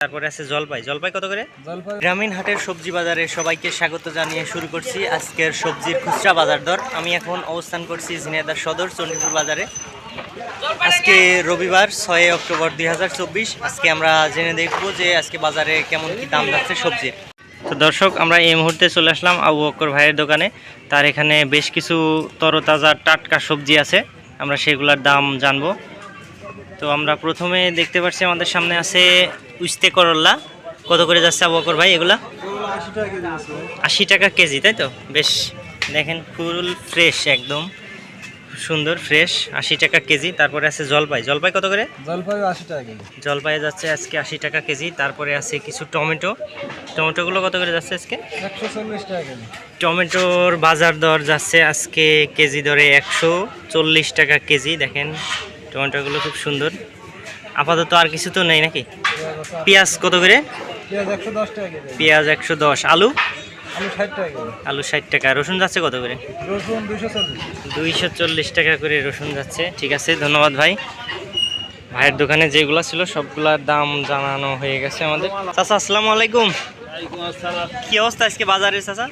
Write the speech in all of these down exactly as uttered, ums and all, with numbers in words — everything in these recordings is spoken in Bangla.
তারপরে আছে জলপাই। জলপাই কত করে? গ্রামীণ হাটের সবজি বাজারে সবাইকে স্বাগত জানিয়ে শুরু করছি আজকের সবজির খুচরা বাজার দর। আমি এখন অবস্থান করছি ঝিনাইদহ সদর চণ্ডীপুর বাজারে। আজকে রবিবার ছয় অক্টোবর দুই হাজার চব্বিশ। আজকে আমরা জেনে দেখব যে আজকে বাজারে কেমন কি দাম যাচ্ছে সবজির। তো দর্শক, আমরা এই মুহূর্তে চলে আসলাম আবু বকর ভাইয়ের দোকানে। তার এখানে বেশ কিছু তরতাজা টাটকা সবজি আছে, আমরা সেগুলোর দাম জানবো। তো আমরা প্রথমে দেখতে পাচ্ছি আমাদের সামনে আছে উস্তে করল্লা। কত করে যাচ্ছে আবু বকর ভাই এগুলা? আশি টাকা কেজি, তাই তো? বেশ, দেখেন ফুল ফ্রেশ, একদম সুন্দর ফ্রেশ, আশি টাকা কেজি। তারপরে আছে জলপাই। জলপাই কত করে? জলপাই আশি টাকা কেজি। জলপাই যাচ্ছে আজকে আশি টাকা কেজি। তারপরে আছে কিছু টমেটো। টমেটোগুলো কত করে যাচ্ছে আজকে? একশো চল্লিশ টাকা কেজি। টমেটোর বাজার দর যাচ্ছে আজকে কেজি দরে একশো চল্লিশ টাকা কেজি। দেখেন টমেটোগুলো খুব সুন্দর। আপাতত আর কিছু তো নেই নাকি? পেঁয়াজ কত করে? পেঁয়াজ একশো দশ টাকা কেজি। পেঁয়াজ একশো দশ। আলু? আলু ষাট টাকা কেজি। আলু ষাট টাকা। রসুন যাচ্ছে কত করে? রসুন দুইশো চল্লিশ। দুইশো চল্লিশ টাকা করে রসুন যাচ্ছে। ঠিক আছে, ধন্যবাদ ভাই। ভাইয়ের দোকানে যেগুলো ছিল সবগুলোর দাম জানানো হয়ে গেছে আমাদের। চাচা আসসালামু আলাইকুম। কি অবস্থা আজকে বাজারের চাচা?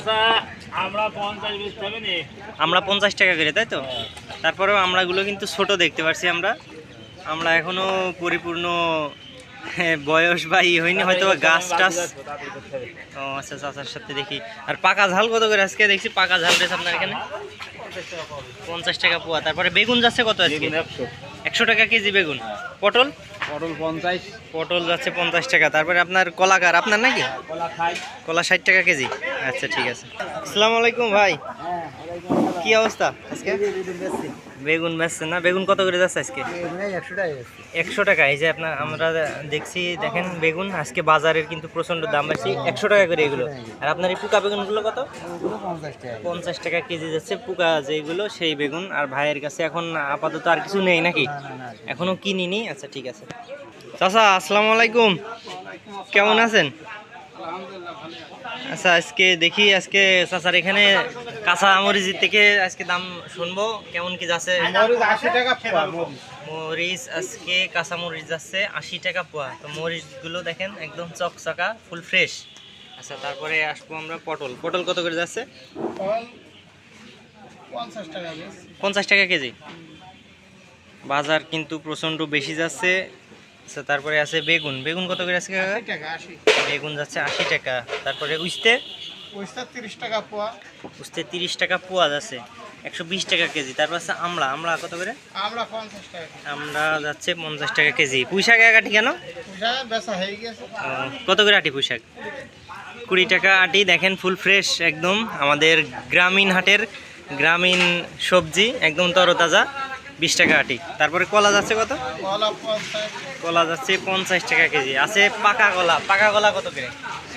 আমরা পঞ্চাশ টাকা করে, তাই তো? তারপরেও আমরাগুলো কিন্তু ছোট দেখতে পাচ্ছি। আমরা আমরা এখনো পরিপূর্ণ বয়স বা ই হয়নি, হয়তো গাছ টাছ। ও আচ্ছা, চাচার সাথে দেখি। আর পাকা ঝাল কত করে আজকে? দেখছি পাকা ঝাল রয়েছে আপনার এখানে পঞ্চাশ টাকা পোয়া। তারপরে বেগুন যাচ্ছে কত আজকে? একশো টাকা কেজি বেগুন। পটল? পটল পঞ্চাশ। পটল যাচ্ছে পঞ্চাশ টাকা। তারপরে আপনার কলাকার আপনার নাকি? কলা ষাট টাকা কেজি। আচ্ছা, ঠিক আছে। আসসালামু আলাইকুম ভাই, কি অবস্থা আজকে? বেগুন বেচছেন না? বেগুন কত করে যাচ্ছে আজকে? একশো টাকা। একশো টাকা। এই যে আপনার আমরা দেখছি, দেখেন বেগুন আজকে বাজারের কিন্তু প্রচন্ড দাম বেশি, একশো টাকা করে এগুলো। আর আপনার এই পোকা বেগুনগুলো কত? পঞ্চাশ টাকা কেজি যাচ্ছে পোকা যেগুলো, সেই বেগুন। আর ভাইয়ের কাছে এখন আপাতত আর কিছু নেই নাকি? এখনো কিনিনি। আচ্ছা, ঠিক আছে। চাচা আসসালামু আলাইকুম, কেমন আছেন? আচ্ছা, আজকে দেখি আজকে চাচার এখানে কাঁচা মরিচ থেকে আজকে দাম শুনবো কেমন কি যাচ্ছে। মরিচ আজকে কাঁচা মরিচ যাচ্ছে আশি টাকা পোয়া। তো মরিচগুলো দেখেন একদম চকচকা, ফুল ফ্রেশ। আচ্ছা, তারপরে আসবো আমরা পটল। পটল কত করে যাচ্ছে? পঞ্চাশ টাকা কেজি। বাজার কিন্তু প্রচন্ড বেশি যাচ্ছে। আচ্ছা, তারপরে আছে বেগুন। বেগুন কত করে আছে? বেগুন যাচ্ছে আশি টাকা। তারপরে উস্তে? তিরিশ টাকা পোয়া। উস্তে তিরিশ টাকা পোয়া যাচ্ছে একশো বিশ টাকা কেজি। তারপর আছে আমলা। আমলা কত করে? আমরা পঞ্চাশ টাকা। আমরা যাচ্ছে পঞ্চাশ টাকা কেজি। পুঁই শাক এক আটি কেন? বেচা হয়ে গেছে। কত করে আটি পুঁই শাক? কুড়ি টাকা আটি। দেখেন ফুল ফ্রেশ একদম, আমাদের গ্রামীণ হাটের গ্রামীণ সবজি, একদম তরতাজা, বিশ টাকা আটি। তারপরে কলা যাচ্ছে কত? কলা যাচ্ছে পঞ্চাশ টাকা কেজি। আছে পাকা কলা। পাকা কলা কত করে?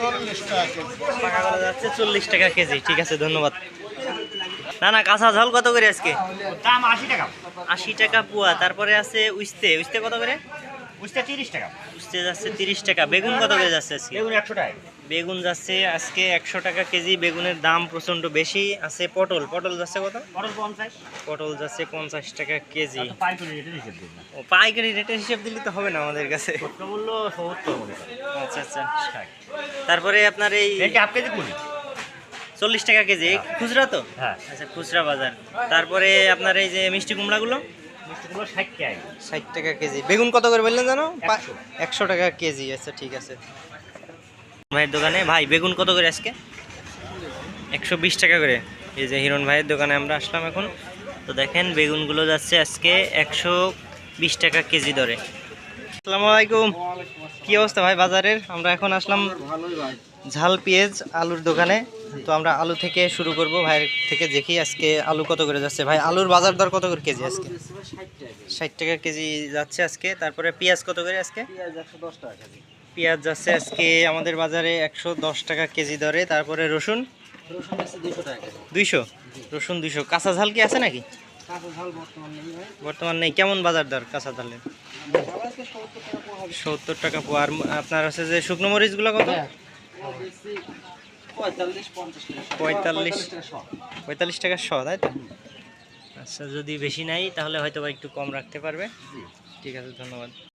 পাকা কলা যাচ্ছে চল্লিশ টাকা কেজি। ঠিক আছে, ধন্যবাদ। না না, কাঁচা ঝাল কত করে আজকে? দাম আশি টাকা। আশি টাকা পোয়া। তারপরে আছে উস্তে। উস্তে কত করে? উস্তে তিরিশ টাকা। উস্তে যাচ্ছে তিরিশ টাকা। বেগুন কত করে যাচ্ছে আজকে? বেগুন একশো টাকা। বেগুন যাচ্ছে আজকে একশো টাকা কেজি। বেগুনের দাম প্রচন্ড বেশি। আছে পটল। পটল যাচ্ছে কত? পটল পঞ্চাশ। পটল যাচ্ছে পঞ্চাশ টাকা কেজি। পাইকারি রেটের হিসেব দিন। ও, পাইকারি রেটের হিসেব দিলে তো হবে না আমাদের কাছে। মূল্য সত্তর। আচ্ছা আচ্ছা। তারপরে আপনার এই হাফ কেজি কুড়ি। চল্লিশ টাকা কেজি খুচরা তো? হ্যাঁ। আচ্ছা, খুচরা বাজার। তারপরে আপনার এই যে মিষ্টি কুমড়াগুলো? মিষ্টিগুলো ষাট টাকা। ষাট টাকা কেজি। বেগুন কত করে বললেন জানো? একশো টাকা কেজি। আচ্ছা, ঠিক আছে। ভাইয়ের দোকানে ভাই বেগুন কত করে আজকে? একশো বিশ টাকা করে। এই যে হিরণ ভাইয়ের দোকানে আমরা আসলাম এখন। তো দেখেন বেগুনগুলো যাচ্ছে আজকে একশো বিশ টাকা কেজি দরে। আসসালামু আলাইকুম, কি অবস্থা ভাই বাজারের? আমরা এখন আসলাম ঝাল পেঁয়াজ আলুর দোকানে। তো আমরা আলু থেকে শুরু করব। ভাইয়ের থেকে দেখি আজকে আলু কত করে যাচ্ছে। ভাই আলুর বাজার দর কত করে কেজি আজকে? ষাট টাকা কেজি যাচ্ছে আজকে। তারপরে পেঁয়াজ কত করে আজকে? পেঁয়াজ যাচ্ছে আজকে আমাদের বাজারে একশো দশ টাকা কেজি দরে। তারপরে রসুন? দুইশো। রসুন দুইশো। কাঁচা ঝাল কি আছে নাকি? বর্তমান নেই। কেমন বাজার দর কাঁচা ঝালের? সত্তর টাকা পোয়া। আর আপনার আছে যে শুকনো মরিচগুলো কত? পঁয়তাল্লিশ পঁয়তাল্লিশ টাকা শ, তাই তো? আচ্ছা, যদি বেশি নাই তাহলে হয়তো বা একটু কম রাখতে পারবে। ঠিক আছে, ধন্যবাদ।